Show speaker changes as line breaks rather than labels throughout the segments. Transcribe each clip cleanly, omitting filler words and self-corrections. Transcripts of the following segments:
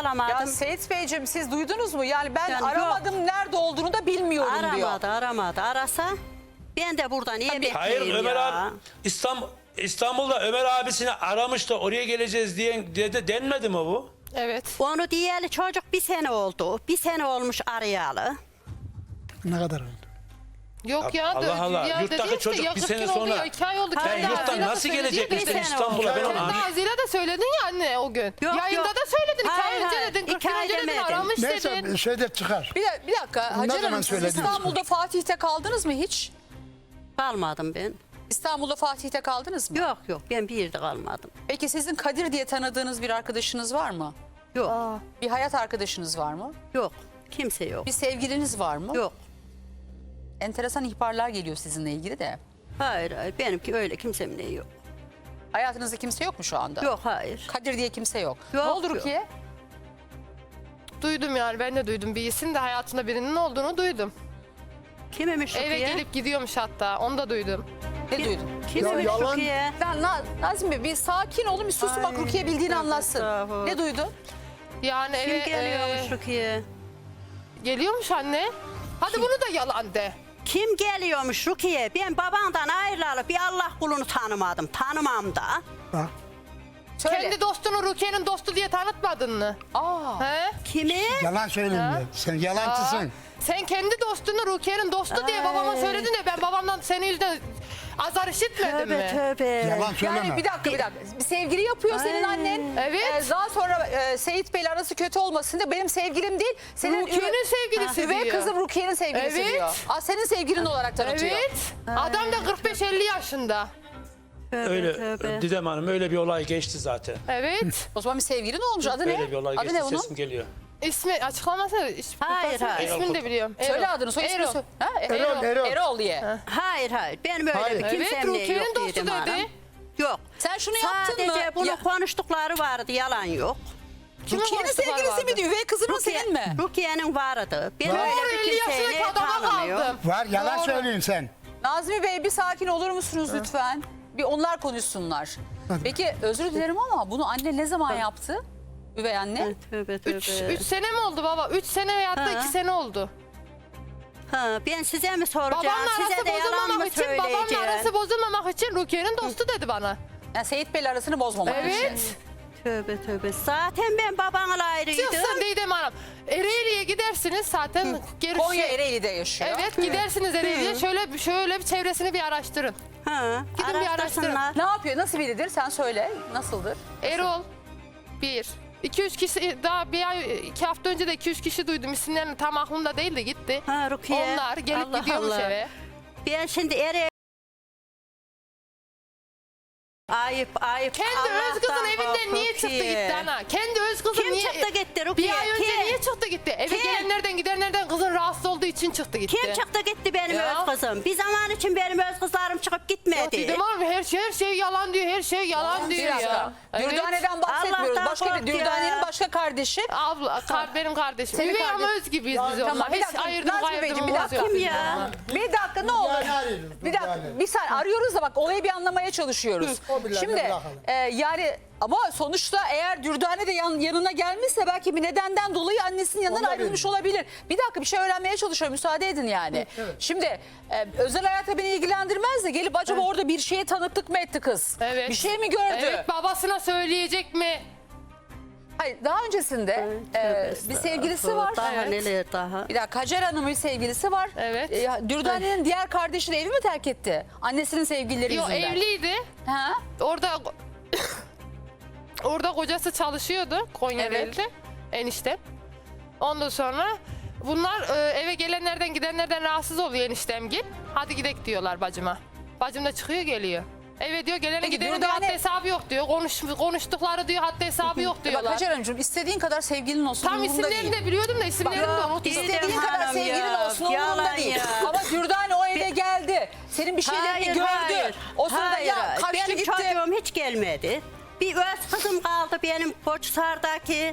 alamadım.
Ya Seyit Beyciğim siz duydunuz mu? Yani ben
Yani
aramadım, nerede olduğunu da bilmiyorum diyor.
Aramadı. Arasa ben de burada niye bekleyeyim
Hayır
ya?
Ömer abi İstanbul'da Ömer abisini aramış da oraya geleceğiz diye denmedi mi bu?
Evet.
Onu diyeli çocuk 1 sene oldu. 1 sene olmuş arayalı.
Ne kadar oldu?
Yok ya.
Allah Allah.
Ya
Yurttaki
dedi
çocuk
işte,
bir sene
40 gün oldu
sonra-
ya, 2 ay oldu.
Ben
Kendi
Yurttan
ağzıyla
nasıl
da söyledi
gelecekmiş
işte.
ben İstanbul'a? Ben onu
Kendi ağzıyla da söyledin ya anne o gün. Yayında da söyledin. 2 ay
Hayır,
önce
hayır.
dedin. 40 gün
2 ay
önce dedin.
demedim.
Aramış
Neyse
dedin.
şeyde çıkar.
Bir dakika Hacer
zaman
Hanım siz
söylediniz?
İstanbul'da Fatih'te kaldınız mı hiç?
Kalmadım ben.
İstanbul'da Fatih'te kaldınız mı?
Yok ben bir yerde kalmadım.
Peki sizin Kadir diye tanıdığınız bir arkadaşınız var mı?
Yok.
Bir hayat arkadaşınız var mı?
Yok. Kimse yok.
Bir sevgiliniz var mı?
Yok.
Enteresan ihbarlar geliyor sizinle ilgili de.
Hayır benimki öyle kimsemin neyi yok.
Hayatınızda kimse yok mu şu anda?
Yok hayır.
Kadir diye kimse yok.
Yok,
Ne oldu
yok.
Rukiye?
Duydum yani ben de duydum. Bir isim de hayatında birinin olduğunu duydum.
Kimmiş
Eve
Rukiye?
gelip gidiyormuş hatta. Onu da duydum.
Ne duydun?
Kimmiş
Ya yalan-
Rukiye?
Nazım Bey bir sakin olun, bir susun bak
Ay,
Rukiye bildiğini
tövbe
anlatsın.
estağfurullah.
Ne duydun?
Yani
Kim
eve
geliyormuş Rukiye?
geliyormuş anne. Hadi bunu da yalan de.
Kim geliyormuş Rukiye? Ben babandan ayrılalı bir Allah kulunu tanımadım. Tanımam da.
Bak.
Söyle.
Kendi dostunu Rukiye'nin dostu diye tanıtmadın mı?
Aa.
He?
Kimi?
Yalan söyleme. Sen yalancısın.
Sen kendi dostunu Rukiye'nin dostu diye babama söyledin de ben babamdan senin yüzünden azar işitmedim
Tövbe
mi?
tövbe.
Yalan söyleme.
Yani bir dakika. Bir sevgili yapıyor senin
Ay.
annen.
Evet.
Daha sonra Seyit Bey'le arası kötü olmasın da benim sevgilim değil. Senin
Rukiye'nin sevgilisi
üvey
diyor.
kızım Rukiye'nin sevgilisi
Evet.
diyor. Senin sevgilin olarak tanıtıyor.
Evet. Adam da 45-50 yaşında.
Tövbe,
Öyle
tövbe.
Didem Hanım öyle bir olay geçti zaten.
Evet.
O zaman bir sevgilin olmuş. Adı ne?
Öyle bir olay
Adı
geçti
ne onun?
sesim geliyor.
İsmi açıklaması.
Hayır, hayır.
İsmini de biliyorum.
Söyle adını, soy ismini
Erol.
söyle. Ha?
Erol.
Erol diye.
Hayır. Benim öyle
Hayır.
bir
Evet,
kimsem neyi
Rukiye'nin
yok
dostu
dedim
dedi.
hanım. Yok.
Sen şunu yaptın mı?
Sadece bunu
Ya-
konuştukları vardı, yalan yok.
Kimin
Rukiye'nin
konuştukları
sevgilisi
vardı?
mi diyor? Üvey kızının senin mi?
Rukiye'nin vardı. Ben
Var.
öyle
Doğru,
bir
50
kimseyi
yaşındaki adama
tanımıyorum.
kaldım.
Var yalan
Doğru.
söylüyorsun sen.
Nazmi Bey bir sakin olur musunuz lütfen? Bir onlar konuşsunlar.
Hadi.
Peki özür dilerim ama bunu anne ne zaman yaptı? Üvey anne.
Tövbe tövbe.
3 sene mi oldu baba? 3 sene veyahut da
Ha.
2 sene oldu.
Ha, ben size mi soracağım?
Babamla
Size
arası
de yalan mı
bozulmamak için, babamla
söyleyeceğim?
arası bozulmamak için Rukiye'nin dostu dedi bana.
Yani Seyit Bey'le arasını bozmamak için.
Evet.
Tövbe. Zaten ben babamla ayrıydım.
Çıksın Didem Hanım. Ereğli'ye gidersiniz zaten. Gerisi...
Konya Ereğli'de yaşıyor.
Evet gidersiniz Ereğli'ye. Şöyle bir çevresini bir araştırın.
Ha,
Gidin bir
araştırsınlar.
Ne yapıyor? Nasıl biridir? Sen söyle. Nasıldır?
Erol 1. 2-3 kişi daha bir ay 2 hafta önce de 2-3 kişi duydum. İsimlerini tam aklımda değil de gitti.
Ha, Rukiye.
Onlar gelip
Allah
gidiyormuş
Allah.
eve.
Ben şimdi Ayıp.
Kendi
Allah'tan
öz kızın evinden niye çıktı
Rukiye.
gitti ana? Kendi öz kızın
Kim
niye...
çıktı gitti Rukiye?
Bir ay önce
Kim?
niye çıktı gitti? Eve
Kim?
gelenlerden gidenlerden kızın rahatsız olduğu için çıktı gitti.
Kim çıktı gitti benim
Ya.
öz kızım? Bir zaman için benim öz kızlarım çıkıp
Ya
gitmedi.
Didem abi her şey yalan diyor. Her şey yalan diyor
Biraz
ya.
da.
Evet.
Dürdane'den bahsetmiyoruz.
Allah'tan
Başka bir
kork ya.
Dürdane'nin başka kardeşi.
Abla, benim kardeşim.
Senin
Üvey
kardeş-
ama öz gibiyiz biz
Tamam,
onunla.
bir
Hiç
dakika,
ayırdım
Nazmi Beyciğim, bir
kaydırmamız
dakika.
yok.
Kim
bizim
ya?
onunla.
Bir dakika ne olur. Bir dakika. Bir saniye arıyoruz da bak olayı bir anlamaya çalışıyoruz.
O birilerine
Şimdi
bırakalım.
yani ama sonuçta eğer Dürdane de yanına gelmişse belki bir nedenden dolayı annesinin yanından
Olabilir.
ayrılmış olabilir. Bir dakika bir şey öğrenmeye çalışıyorum. Müsaade edin yani. Şimdi özel hayata beni ilgilendirmez de gelip acaba orada bir şeye tanıklık mı etti kız?
Evet.
Bir şey mi gördü?
Evet babasına söyleyecek mi?
Hayır daha öncesinde bir sevgilisi var.
Daha
Evet.
neler daha.
Bir dakika Hacer Hanım'ın sevgilisi var.
Evet.
Dürdane'nin diğer kardeşi de evi mi terk etti? Annesinin sevgilileri
Yok
yüzünden.
evliydi.
Ha?
Orada kocası çalışıyordu Konya'daydı.
Evet.
Eniştem. Ondan sonra bunlar eve gelenlerden gidenlerden rahatsız oluyor eniştemgil. Hadi gidek diyorlar bacıma. Bacım da çıkıyor geliyor. Evet diyor gelene
Peki,
gidene diyor
Dürdane-
haddi hesabı yok diyor. Konuştukları diyor haddi hesabı yok
Bak
diyorlar.
Hacer Hanımcığım istediğin kadar sevgilin olsun
Tam
umurumda
isimlerini
değil.
de biliyordum da isimlerini de unuttum.
İstediğin
Didem
kadar
Hanım
sevgilin
ya,
olsun umurumda
yalan
değil.
ya.
Ama Dürdane o eve geldi. Senin bir şeylerini gördü. O sırada ya kaçtı
Benim
gitti.
çocuğum hiç gelmedi. Bir öz kızım kaldı benim Koçhisar'daki.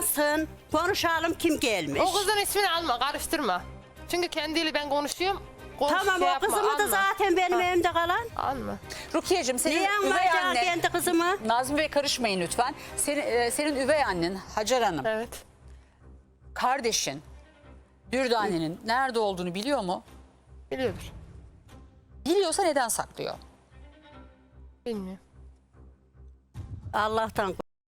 Bağlansın, konuşalım kim gelmiş.
O kızın ismini alma karıştırma. Çünkü kendiyle ben konuşuyorum.
Tamam
şey
o
yapma,
kızımı da
alma.
zaten benim evimde kalan.
Alma.
Rukiye'cim senin
Niye
üvey
almayacağım
annen...
kendi kızımı?
Nazmi Bey karışmayın lütfen. Senin üvey annen Hacer Hanım,
Evet.
kardeşin Dürdane'nin nerede olduğunu biliyor mu?
Biliyordur.
Biliyorsa neden saklıyor?
Bilmiyorum.
Allah'tan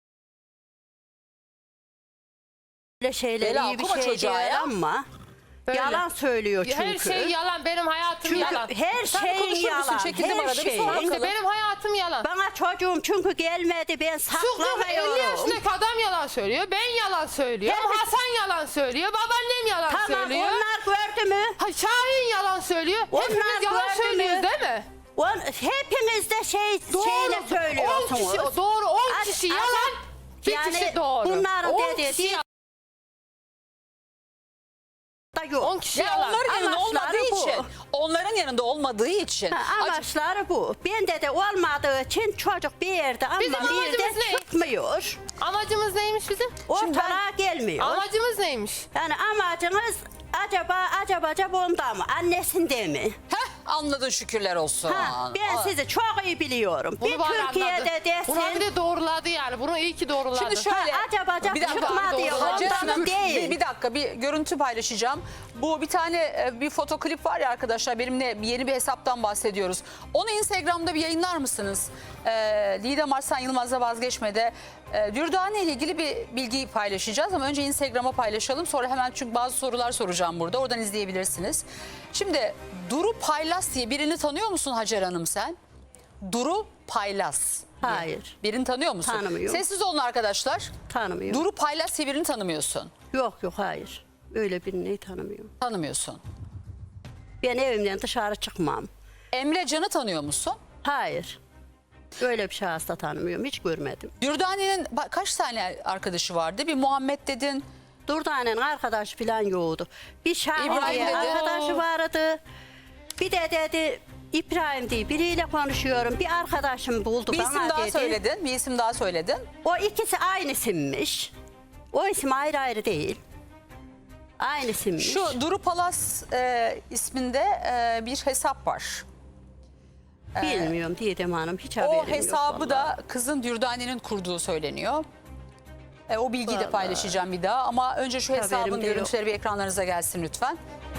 böyle şeyler
Bela,
iyi bir
okuma
şey
çocuğa
değil
ya.
ama
Böyle.
yalan söylüyor çünkü.
Her şey yalan. Benim hayatım
Çünkü
yalan.
her
Sen
şeyin
konuşur musun?
yalan.
Çekildim
Her
arada, bir
şeyin.
sor bakalım.
Benim hayatım yalan.
Bana çocuğum çünkü gelmedi ben
Şu 50
saklamıyorum.
yaşındaki adam yalan söylüyor. Ben yalan söylüyorum.
Evet.
Hasan yalan söylüyor. Babaannem yalan
Tamam
söylüyor.
onlar gördü mü?
Ha, Şahin yalan söylüyor.
Onlar
Hepimiz yalan
gördü mü?
söylüyoruz değil mi?
Hepiniz de şeyle
10
söylüyorsunuz.
kişi, doğru 10
Hadi,
kişi
hadi.
yalan. Bir
Yani
kişi doğru.
bunların
10
dediği
kişi yalan.
da yok.
10 kişi
Ya
yalan.
onların yanında
Amaçları
olmadığı
bu.
için. Onların yanında olmadığı için.
Amaçları bu. Bende de olmadığı için çocuk bir yerde ama
Bizim
bir yerde
amacımız ne?
çıkmıyor.
Amacımız neymiş bizim?
Ortalığa gelmiyor.
Amacımız neymiş?
Yani amacınız acaba onda mı? Annesinde mi?
Heh, anladın şükürler olsun.
Ben sizi çok iyi biliyorum.
Bunu
bir
bana
Türkiye'de
anladı. Bunu bir
desin.
de doğruladı yani. Bunu iyi ki doğruladı.
Şimdi şöyle
acaba
bir dakika,
çıkmadı ya
doğru.
Hacer
ondan
Hanım,
değil.
bir dakika bir görüntü paylaşacağım. Bu bir tane bir fotoklip var ya arkadaşlar, benimle yeni bir hesaptan bahsediyoruz. Onu Instagram'da bir yayınlar mısınız? Didem Arslan Yılmaz'la Vazgeçme'de Dürdane ile ilgili bir bilgi paylaşacağız ama önce Instagram'a paylaşalım. Sonra hemen çünkü bazı sorular soracağım burada. Oradan izleyebilirsiniz. Şimdi Duru Paylas diye birini tanıyor musun Hacer Hanım sen? Duru Paylas.
Hayır.
Birini tanıyor musun?
Tanımıyorum.
Sessiz olun arkadaşlar.
Tanımıyorum.
Duru Paylas diye birini tanımıyorsun.
Yok hayır. Öyle birini tanımıyorum.
Tanımıyorsun.
Ben evimden dışarı çıkmam.
Emre Can'ı tanıyor musun?
Hayır. Öyle bir şahıs da tanımıyorum. Hiç görmedim.
Dürdane'nin kaç tane arkadaşı vardı? Bir Muhammed dedin.
Durdane'nin arkadaşı falan yoktu. Bir Şahin
İbrahim
diye
dedi.
arkadaşı vardı. Bir de dedi İbrahim diye biriyle konuşuyorum. Bir arkadaşım buldu
Bir
bana
isim daha
dedi.
söyledin. Bir isim daha söyledin.
O ikisi aynı isimmiş. O isim ayrı ayrı değil. Aynı isimmiş.
Şu Duru Palas isminde bir hesap var.
Bilmiyorum Didem Hanım. Hiç haberim
O
yok.
hesabı
vallahi.
da kızın Dürdane'nin kurduğu söyleniyor. O bilgiyi de
Vallahi.
paylaşacağım bir daha. Ama önce şu hesabın
Haberim de yok.
görüntüleri bir ekranlarınıza gelsin lütfen.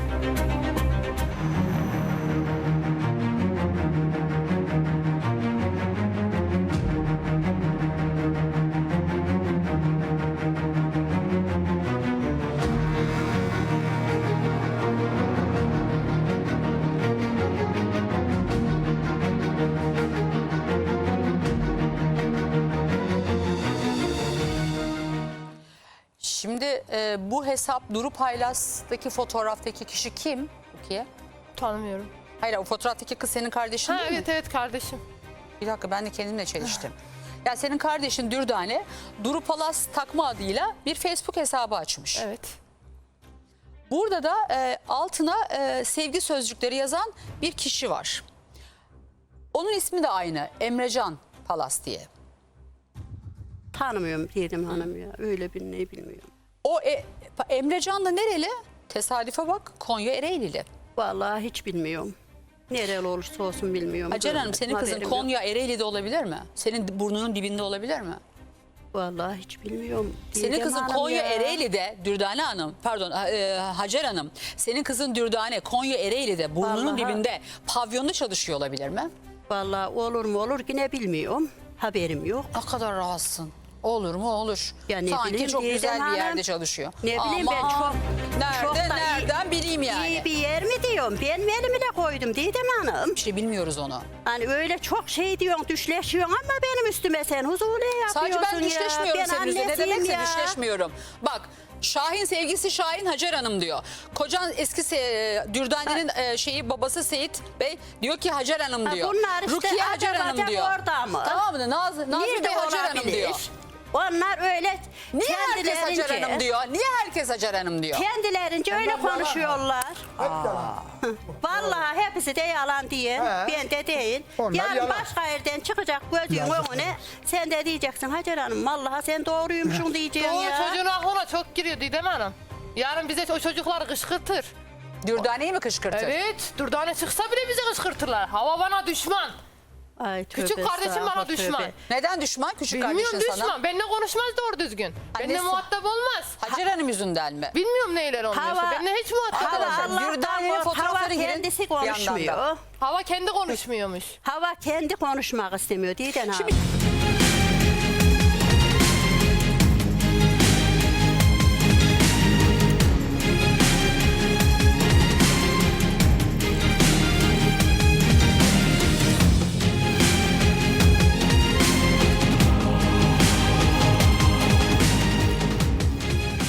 Şimdi bu hesap Duru Paylas'taki fotoğraftaki kişi kim? Rukiye?
Tanımıyorum.
Hayır, o fotoğraftaki kız senin kardeşin
Ha,
değil mi?
evet kardeşim.
Bir dakika, ben de kendimle çeliştim. Ya senin kardeşin Dürdane Duru Palas takma adıyla bir Facebook hesabı açmış.
Evet.
Burada da altına sevgi sözcükleri yazan bir kişi var. Onun ismi de aynı, Emrecan Palas diye.
Tanımıyorum Didem Hanım ya. Öyle birini bilmiyorum.
O Emrecan da nereli? Tesadüfe bak, Konya Ereğlili.
Vallahi hiç bilmiyorum. Nereli olursa olsun bilmiyorum.
Hacer Hanım, senin kızın
Haberim
Konya Ereğli'de olabilir mi? Senin burnunun dibinde olabilir mi?
yok. Vallahi hiç bilmiyorum.
Senin
Didem
kızın
Hanım
Konya
ya.
Ereğli'de, Dürdane Hanım, pardon Hacer Hanım. Senin kızın Dürdane Konya Ereğli'de burnunun
Vallahi.
dibinde pavyonda çalışıyor olabilir mi?
Vallahi olur mu olur yine bilmiyorum. Haberim yok.
Ne kadar rahatsın. Olur mu olur.
Ya ne
Sanki
bileyim,
çok
Didem
güzel bir
Hanım.
yerde çalışıyor.
Ne bileyim ben
Aman,
çok da iyi-
nereden bileyim yani.
İyi bir yer mi diyorum? Ben mi elimi de koydum Didem Hanım.
İşte bilmiyoruz onu.
Hani öyle çok şey diyorsun, düşleşiyorsun ama benim üstüme sen huzurlu yapıyorsun
Sadece ben
ya.
düşleşmiyorum
Ben
senin üzerine. Ne
annesiyim
demekse
ya.
düşleşmiyorum. Bak, Şahin sevgisi Şahin Hacer Hanım diyor. Kocan eski Dürdane'nin şeyi babası Seyit Bey diyor ki Hacer Hanım
Ha,
diyor.
bunlar işte
Rukiye Hacer
acaba
Hanım diyor.
orada mı?
Tamam mı? Nazmi
Nerede
Bey Hacer Hanım
olabilir?
diyor.
Onlar öyle
Niye herkes Hacer
kendilerince-
Hanım diyor? Niye herkes Hacer Hanım diyor?
Kendilerince öyle konuşuyorlar. Vallahi hepsi de yalan diye. Ben de değil.
Onlar
Yarın
yalan.
başka yerden çıkacak gözün önüne. Sen de diyeceksin Hacer Hanım vallahi sen doğruymuşsun diyeceksin
Doğru,
ya.
çocuğun aklına çok giriyor Didem Hanım. Yarın bize o çocukları kışkırtır.
Dürdane'yi mi kışkırtır?
Evet. Dürdane çıksa bile bizi kışkırtırlar. Hava bana düşman.
Ay, tövbe
Küçük kardeşim bana
estağfurullah,
düşman.
tövbe.
Neden düşman küçük
Bilmiyorum
kardeşin
düşman.
sana?
Benimle konuşmaz doğru düzgün. Benimle
Annesi-
muhatap olmaz.
Hacer Hanım yüzünden mi?
Bilmiyorum neyler olmuyorsa.
Hava-
Benimle hiç muhatap
Hava
olmaz.
Arkadaşlar, Dürdane'nin
Allah'tan hava
fotoğrafları girin
kendisi
bir yandan da.
konuşmuyor.
Hava kendi konuşmuyormuş.
Hava kendi konuşmak istemiyor Didem Hanım.
Şimdi